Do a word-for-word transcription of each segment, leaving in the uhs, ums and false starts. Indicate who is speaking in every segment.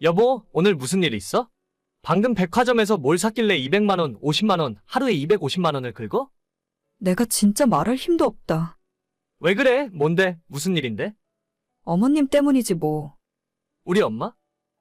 Speaker 1: 여보, 오늘 무슨 일 있어? 방금 백화점에서 뭘 샀길래 이백만 원, 오십만 원, 하루에 이백오십만 원을 긁어?
Speaker 2: 내가 진짜 말할 힘도 없다.
Speaker 1: 왜 그래? 뭔데? 무슨 일인데?
Speaker 2: 어머님 때문이지 뭐.
Speaker 1: 우리 엄마?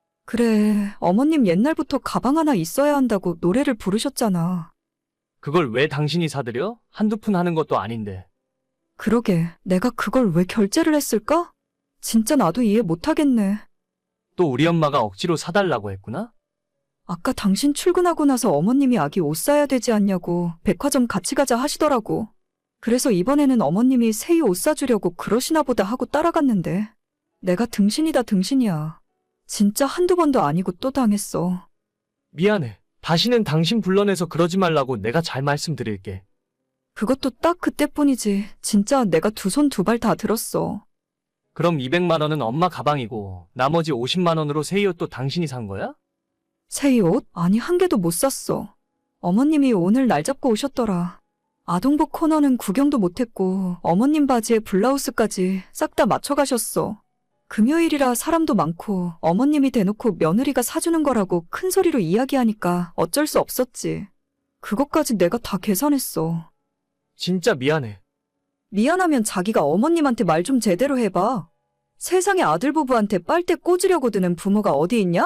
Speaker 2: 그래, 어머님 옛날부터 가방 하나 있어야 한다고 노래를 부르셨잖아.
Speaker 1: 그걸 왜 당신이 사드려? 한두 푼 하는 것도 아닌데.
Speaker 2: 그러게, 내가 그걸 왜 결제를 했을까? 진짜 나도 이해 못하겠네.
Speaker 1: 또 우리 엄마가 억지로 사달라고 했구나?
Speaker 2: 아까 당신 출근하고 나서 어머님이 아기 옷 사야 되지 않냐고 백화점 같이 가자 하시더라고. 그래서 이번에는 어머님이 새이 옷 사주려고 그러시나 보다 하고 따라갔는데 내가 등신이다 등신이야. 진짜 한두 번도 아니고 또 당했어.
Speaker 1: 미안해. 다시는 당신 불러내서 그러지 말라고 내가 잘 말씀드릴게.
Speaker 2: 그것도 딱 그때뿐이지. 진짜 내가 두 손 두 발 다 들었어.
Speaker 1: 그럼 이백만 원은 엄마 가방이고 나머지 오십만 원으로 새 옷도 당신이 산 거야?
Speaker 2: 새이 옷? 아니 한 개도 못 샀어. 어머님이 오늘 날 잡고 오셨더라. 아동복 코너는 구경도 못했고 어머님 바지에 블라우스까지 싹 다 맞춰가셨어. 금요일이라 사람도 많고 어머님이 대놓고 며느리가 사주는 거라고 큰 소리로 이야기하니까 어쩔 수 없었지. 그것까지 내가 다 계산했어.
Speaker 1: 진짜 미안해.
Speaker 2: 미안하면 자기가 어머님한테 말 좀 제대로 해봐. 세상에 아들 부부한테 빨대 꽂으려고 드는 부모가 어디 있냐?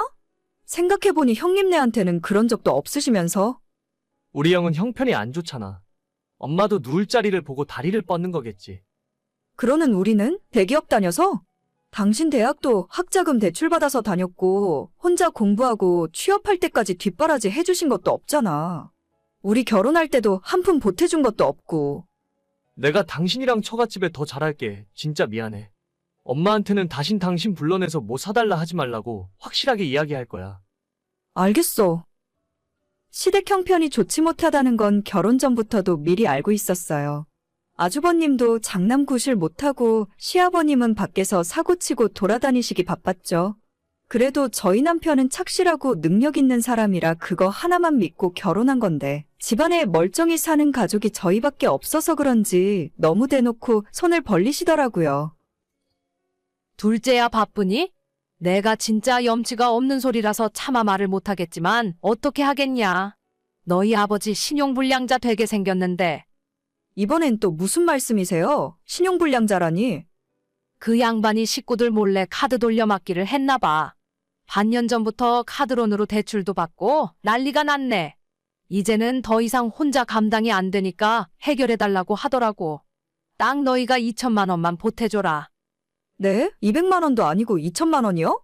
Speaker 2: 생각해보니 형님네한테는 그런 적도 없으시면서.
Speaker 1: 우리 형은 형편이 안 좋잖아. 엄마도 누울 자리를 보고 다리를 뻗는 거겠지.
Speaker 2: 그러는 우리는 대기업 다녀서? 당신 대학도 학자금 대출받아서 다녔고 혼자 공부하고 취업할 때까지 뒷바라지 해주신 것도 없잖아. 우리 결혼할 때도 한 푼 보태준 것도 없고.
Speaker 1: 내가 당신이랑 처갓집에 더 잘할게. 진짜 미안해. 엄마한테는 다신 당신 불러내서 뭐 사달라 하지 말라고 확실하게 이야기할 거야.
Speaker 2: 알겠어. 시댁 형편이 좋지 못하다는 건 결혼 전부터도 미리 알고 있었어요. 아주버님도 장남 구실 못하고 시아버님은 밖에서 사고치고 돌아다니시기 바빴죠. 그래도 저희 남편은 착실하고 능력 있는 사람이라 그거 하나만 믿고 결혼한 건데 집안에 멀쩡히 사는 가족이 저희밖에 없어서 그런지 너무 대놓고 손을 벌리시더라고요.
Speaker 3: 둘째야 바쁘니? 내가 진짜 염치가 없는 소리라서 차마 말을 못하겠지만 어떻게 하겠냐. 너희 아버지 신용불량자 되게 생겼는데
Speaker 2: 이번엔 또 무슨 말씀이세요? 신용불량자라니.
Speaker 3: 그 양반이 식구들 몰래 카드 돌려막기를 했나 봐. 반년 전부터 카드론으로 대출도 받고 난리가 났네. 이제는 더 이상 혼자 감당이 안 되니까 해결해달라고 하더라고. 딱 너희가 이천만 원만 보태줘라.
Speaker 2: 네? 이백만 원도 아니고 이천만 원이요?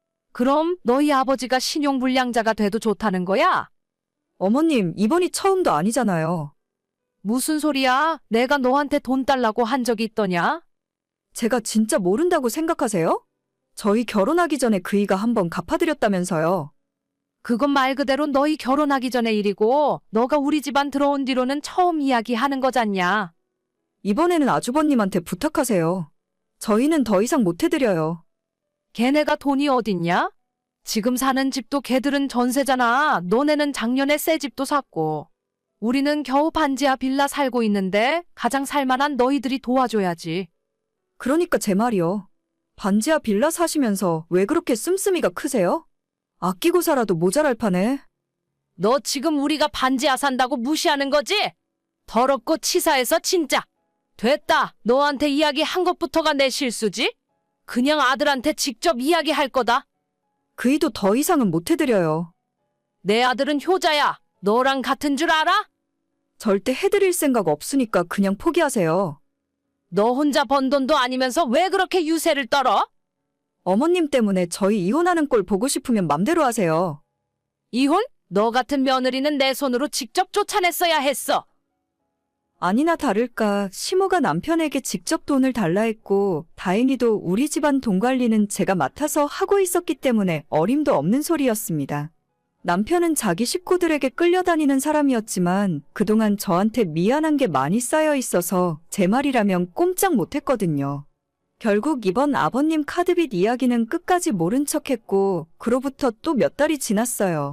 Speaker 3: 그럼 너희 아버지가 신용불량자가 돼도 좋다는 거야?
Speaker 2: 어머님, 이번이 처음도 아니잖아요.
Speaker 3: 무슨 소리야? 내가 너한테 돈 달라고 한 적이 있더냐?
Speaker 2: 제가 진짜 모른다고 생각하세요? 저희 결혼하기 전에 그이가 한번 갚아드렸다면서요.
Speaker 3: 그건 말 그대로 너희 결혼하기 전의 일이고 너가 우리 집안 들어온 뒤로는 처음 이야기하는 거잖냐.
Speaker 2: 이번에는 아주버님한테 부탁하세요. 저희는 더 이상 못 해드려요.
Speaker 3: 걔네가 돈이 어딨냐? 지금 사는 집도 걔들은 전세잖아. 너네는 작년에 새 집도 샀고. 우리는 겨우 반지하 빌라 살고 있는데 가장 살만한 너희들이 도와줘야지.
Speaker 2: 그러니까 제 말이요. 반지하 빌라 사시면서 왜 그렇게 씀씀이가 크세요? 아끼고 살아도 모자랄 판에.
Speaker 3: 너 지금 우리가 반지하 산다고 무시하는 거지? 더럽고 치사해서 진짜. 됐다. 너한테 이야기한 것부터가 내 실수지? 그냥 아들한테 직접 이야기할 거다.
Speaker 2: 그이도 더 이상은 못 해드려요.
Speaker 3: 내 아들은 효자야. 너랑 같은 줄 알아?
Speaker 2: 절대 해드릴 생각 없으니까 그냥 포기하세요.
Speaker 3: 너 혼자 번 돈도 아니면서 왜 그렇게 유세를 떨어?
Speaker 2: 어머님 때문에 저희 이혼하는 꼴 보고 싶으면 맘대로 하세요.
Speaker 3: 이혼? 너 같은 며느리는 내 손으로 직접 쫓아냈어야 했어.
Speaker 2: 아니나 다를까 시모가 남편에게 직접 돈을 달라 했고 다행히도 우리 집안 돈 관리는 제가 맡아서 하고 있었기 때문에 어림도 없는 소리였습니다. 남편은 자기 식구들에게 끌려다니는 사람이었지만 그동안 저한테 미안한 게 많이 쌓여 있어서 제 말이라면 꼼짝 못했거든요. 결국 이번 아버님 카드빚 이야기는 끝까지 모른 척했고 그로부터 또 몇 달이 지났어요.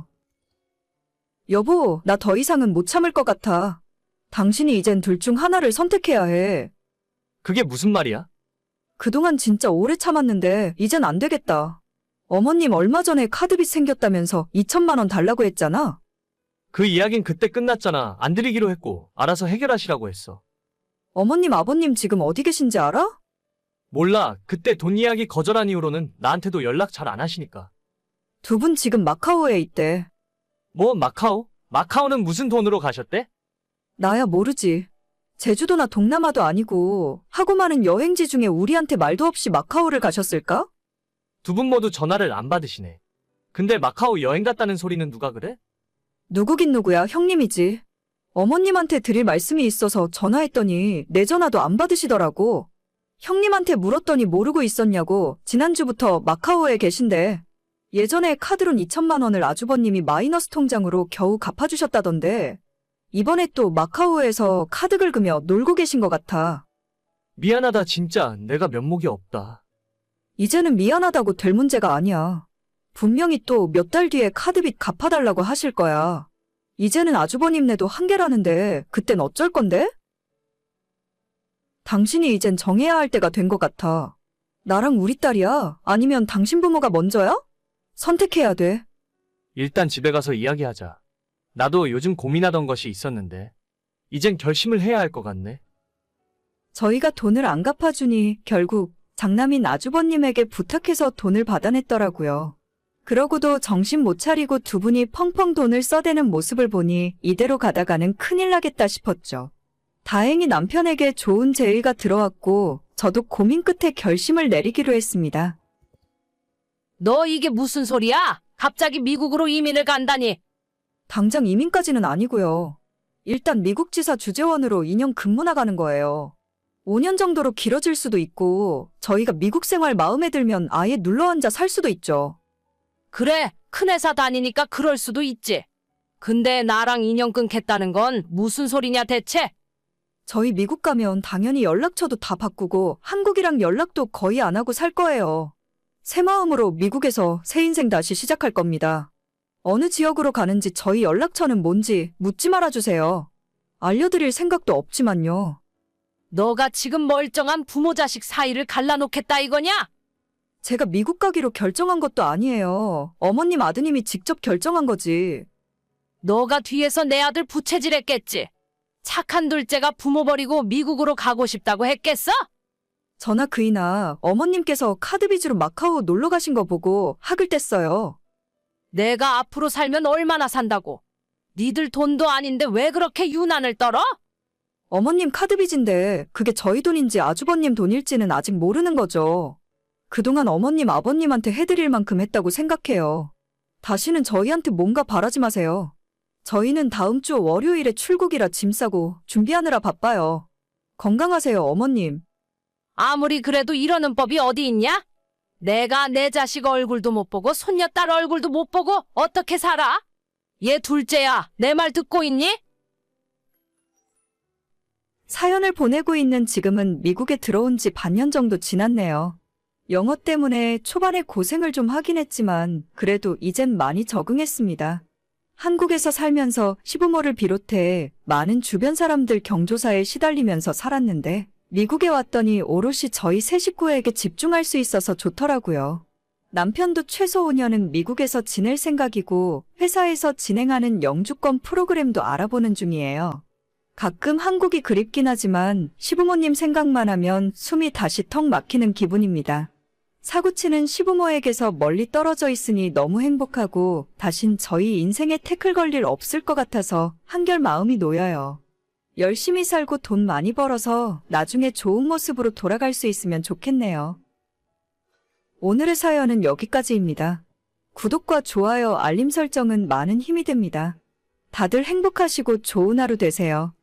Speaker 2: 여보, 나 더 이상은 못 참을 것 같아. 당신이 이젠 둘 중 하나를 선택해야 해.
Speaker 1: 그게 무슨 말이야?
Speaker 2: 그동안 진짜 오래 참았는데 이젠 안 되겠다. 어머님 얼마 전에 카드빚 생겼다면서 이천만 원 달라고 했잖아.
Speaker 1: 그 이야긴 그때 끝났잖아. 안 드리기로 했고 알아서 해결하시라고 했어.
Speaker 2: 어머님 아버님 지금 어디 계신지 알아?
Speaker 1: 몰라. 그때 돈 이야기 거절한 이후로는 나한테도 연락 잘 안 하시니까.
Speaker 2: 두 분 지금 마카오에 있대.
Speaker 1: 뭐 마카오? 마카오는 무슨 돈으로 가셨대?
Speaker 2: 나야 모르지. 제주도나 동남아도 아니고 하고 많은 여행지 중에 우리한테 말도 없이 마카오를 가셨을까?
Speaker 1: 두 분 모두 전화를 안 받으시네. 근데 마카오 여행 갔다는 소리는 누가 그래?
Speaker 2: 누구긴 누구야, 형님이지. 어머님한테 드릴 말씀이 있어서 전화했더니 내 전화도 안 받으시더라고. 형님한테 물었더니 모르고 있었냐고 지난주부터 마카오에 계신데 예전에 카드론 이천만 원을 아주버님이 마이너스 통장으로 겨우 갚아주셨다던데 이번에 또 마카오에서 카드 긁으며 놀고 계신 것 같아.
Speaker 1: 미안하다 진짜 내가 면목이 없다.
Speaker 2: 이제는 미안하다고 될 문제가 아니야. 분명히 또 몇 달 뒤에 카드빚 갚아달라고 하실 거야. 이제는 아주버님네도 한계라는데 그땐 어쩔 건데? 당신이 이젠 정해야 할 때가 된 것 같아. 나랑 우리 딸이야? 아니면 당신 부모가 먼저야? 선택해야 돼.
Speaker 1: 일단 집에 가서 이야기하자. 나도 요즘 고민하던 것이 있었는데 이젠 결심을 해야 할 것 같네.
Speaker 2: 저희가 돈을 안 갚아주니 결국 장남인 아주버님에게 부탁해서 돈을 받아냈더라고요. 그러고도 정신 못 차리고 두 분이 펑펑 돈을 써대는 모습을 보니 이대로 가다가는 큰일 나겠다 싶었죠. 다행히 남편에게 좋은 제의가 들어왔고 저도 고민 끝에 결심을 내리기로 했습니다.
Speaker 3: 너 이게 무슨 소리야? 갑자기 미국으로 이민을 간다니.
Speaker 2: 당장 이민까지는 아니고요. 일단 미국 지사 주재원으로 이 년 근무 나가는 거예요. 오 년 정도로 길어질 수도 있고 저희가 미국 생활 마음에 들면 아예 눌러앉아 살 수도 있죠.
Speaker 3: 그래, 큰 회사 다니니까 그럴 수도 있지. 근데 나랑 인연 끊겠다는 건 무슨 소리냐 대체?
Speaker 2: 저희 미국 가면 당연히 연락처도 다 바꾸고 한국이랑 연락도 거의 안 하고 살 거예요. 새 마음으로 미국에서 새 인생 다시 시작할 겁니다. 어느 지역으로 가는지 저희 연락처는 뭔지 묻지 말아주세요. 알려드릴 생각도 없지만요.
Speaker 3: 너가 지금 멀쩡한 부모 자식 사이를 갈라놓겠다 이거냐?
Speaker 2: 제가 미국 가기로 결정한 것도 아니에요. 어머님 아드님이 직접 결정한 거지.
Speaker 3: 너가 뒤에서 내 아들 부채질했겠지. 착한 둘째가 부모 버리고 미국으로 가고 싶다고 했겠어?
Speaker 2: 저나 그이나 어머님께서 카드 빚으로 마카오 놀러 가신 거 보고 학을 뗐어요.
Speaker 3: 내가 앞으로 살면 얼마나 산다고. 니들 돈도 아닌데 왜 그렇게 유난을 떨어?
Speaker 2: 어머님 카드 빚인데 그게 저희 돈인지 아주버님 돈일지는 아직 모르는 거죠. 그동안 어머님 아버님한테 해드릴 만큼 했다고 생각해요. 다시는 저희한테 뭔가 바라지 마세요. 저희는 다음 주 월요일에 출국이라 짐 싸고 준비하느라 바빠요. 건강하세요, 어머님.
Speaker 3: 아무리 그래도 이러는 법이 어디 있냐? 내가 내 자식 얼굴도 못 보고 손녀딸 얼굴도 못 보고 어떻게 살아? 얘 둘째야, 내 말 듣고 있니?
Speaker 2: 사연을 보내고 있는 지금은 미국에 들어온 지 반년 정도 지났네요. 영어 때문에 초반에 고생을 좀 하긴 했지만 그래도 이젠 많이 적응했습니다. 한국에서 살면서 시부모를 비롯해 많은 주변 사람들 경조사에 시달리면서 살았는데 미국에 왔더니 오롯이 저희 세 식구에게 집중할 수 있어서 좋더라고요. 남편도 최소 오 년은 미국에서 지낼 생각이고 회사에서 진행하는 영주권 프로그램도 알아보는 중이에요. 가끔 한국이 그립긴 하지만 시부모님 생각만 하면 숨이 다시 턱 막히는 기분입니다. 사고치는 시부모에게서 멀리 떨어져 있으니 너무 행복하고 다신 저희 인생에 태클 걸 일 없을 것 같아서 한결 마음이 놓여요. 열심히 살고 돈 많이 벌어서 나중에 좋은 모습으로 돌아갈 수 있으면 좋겠네요. 오늘의 사연은 여기까지입니다. 구독과 좋아요, 알림 설정은 많은 힘이 됩니다. 다들 행복하시고 좋은 하루 되세요.